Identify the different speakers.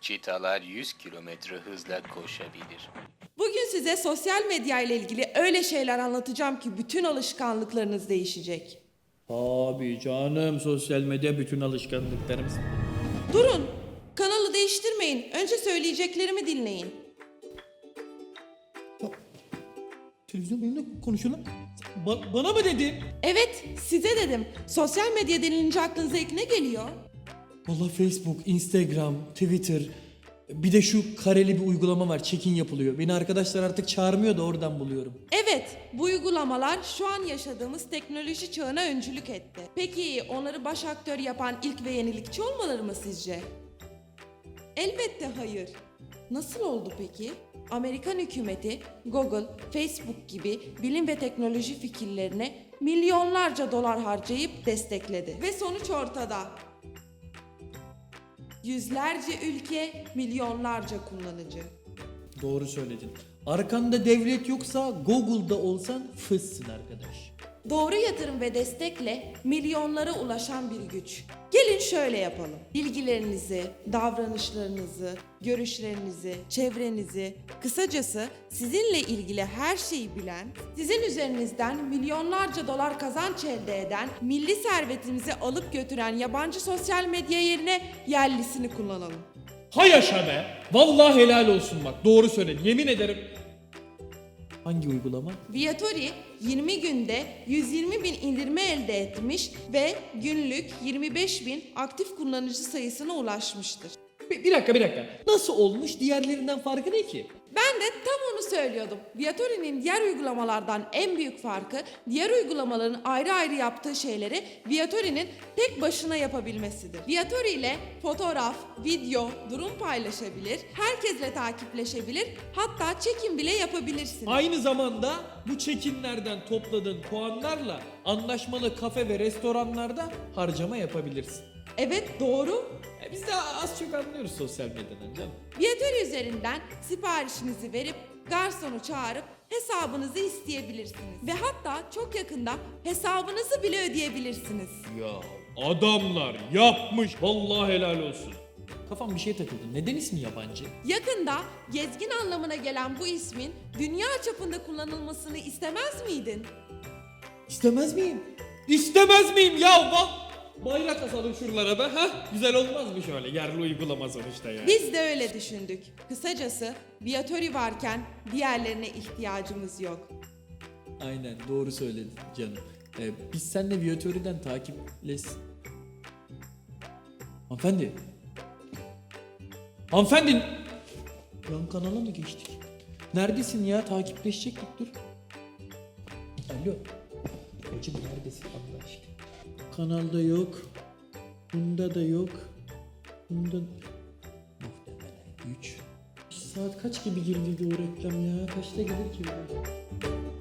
Speaker 1: Çitalar 100 kilometre hızla koşabilir.
Speaker 2: Bugün size sosyal medya ile ilgili öyle şeyler anlatacağım ki bütün alışkanlıklarınız değişecek.
Speaker 3: Abi canım, sosyal medya bütün alışkanlıklarımız.
Speaker 2: Durun, kanalı değiştirmeyin. Önce söyleyeceklerimi dinleyin.
Speaker 3: Televizyon benimle konuşuyor lan. Bana mı dedin?
Speaker 2: Evet, size dedim. Sosyal medya denilince aklınıza ilk ne geliyor?
Speaker 3: Valla Facebook, Instagram, Twitter. Bir de şu kareli bir uygulama var. Check-in yapılıyor. Beni arkadaşlar artık çağırmıyor da oradan buluyorum.
Speaker 2: Evet, bu uygulamalar şu an yaşadığımız teknoloji çağına öncülük etti. Peki onları baş aktör yapan ilk ve yenilikçi olmaları mı sizce? Elbette hayır. Nasıl oldu peki? Amerikan hükümeti Google, Facebook gibi bilim ve teknoloji fikirlerine milyonlarca dolar harcayıp destekledi. Ve sonuç ortada. Yüzlerce ülke, milyonlarca kullanıcı.
Speaker 3: Doğru söyledin. Arkanda devlet yoksa Google'da olsan fıssın arkadaş.
Speaker 2: Doğru yatırım ve destekle milyonlara ulaşan bir güç. Gelin şöyle yapalım. Bilgilerinizi, davranışlarınızı, görüşlerinizi, çevrenizi, kısacası sizinle ilgili her şeyi bilen, sizin üzerinizden milyonlarca dolar kazanç elde eden, milli servetimizi alıp götüren yabancı sosyal medya yerine yerlisini kullanalım.
Speaker 3: Hay yaşa be. Vallahi helal olsun bak. Doğru söyledin. Yemin ederim. Hangi uygulama?
Speaker 2: Viatori 20 günde 120 bin indirme elde etmiş ve günlük 25 bin aktif kullanıcı sayısına ulaşmıştır.
Speaker 3: Bir dakika. Nasıl olmuş? Diğerlerinden farkı ne ki?
Speaker 2: Ben de tam onu söylüyordum. Viatori'nin diğer uygulamalardan en büyük farkı diğer uygulamaların ayrı ayrı yaptığı şeyleri Viatori'nin tek başına yapabilmesidir. Viatori ile fotoğraf, video, durum paylaşabilir, herkesle takipleşebilir, hatta check-in bile yapabilirsiniz.
Speaker 3: Aynı zamanda bu check-inlerden topladığın puanlarla anlaşmalı kafe ve restoranlarda harcama yapabilirsin.
Speaker 2: Evet, doğru.
Speaker 3: Biz de az çok anlıyoruz sosyal medyadan canım.
Speaker 2: Viatori üzerinden siparişinizi verip garsonu çağırıp hesabınızı isteyebilirsiniz. Ve hatta çok yakında hesabınızı bile ödeyebilirsiniz.
Speaker 3: Ya adamlar yapmış. Vallahi helal olsun. Kafam bir şeye takıldı. Neden ismi yabancı?
Speaker 2: Yakında gezgin anlamına gelen bu ismin dünya çapında kullanılmasını istemez miydin?
Speaker 3: İstemez miyim? İstemez miyim ya? Bayrak asalım şuralara be. Ha? Güzel olmaz mı şöyle? Yerli uygulama sonuçta yani.
Speaker 2: Biz de öyle düşündük. Kısacası Viatori varken diğerlerine ihtiyacımız yok.
Speaker 3: Aynen doğru söyledin canım. Biz seninle Viatori'den Hanımefendi. Hanımefendi. Yan kanala mı geçtik? Neredesin ya? Takipleşecektik dur. Alo. Hacım neredesin Allah aşkına? Kanalda yok. Bunda da yok. Bunda... Muhtemelen 3. Saat kaç gibi girdi o reklam ya? Kaçta gelir ki bu?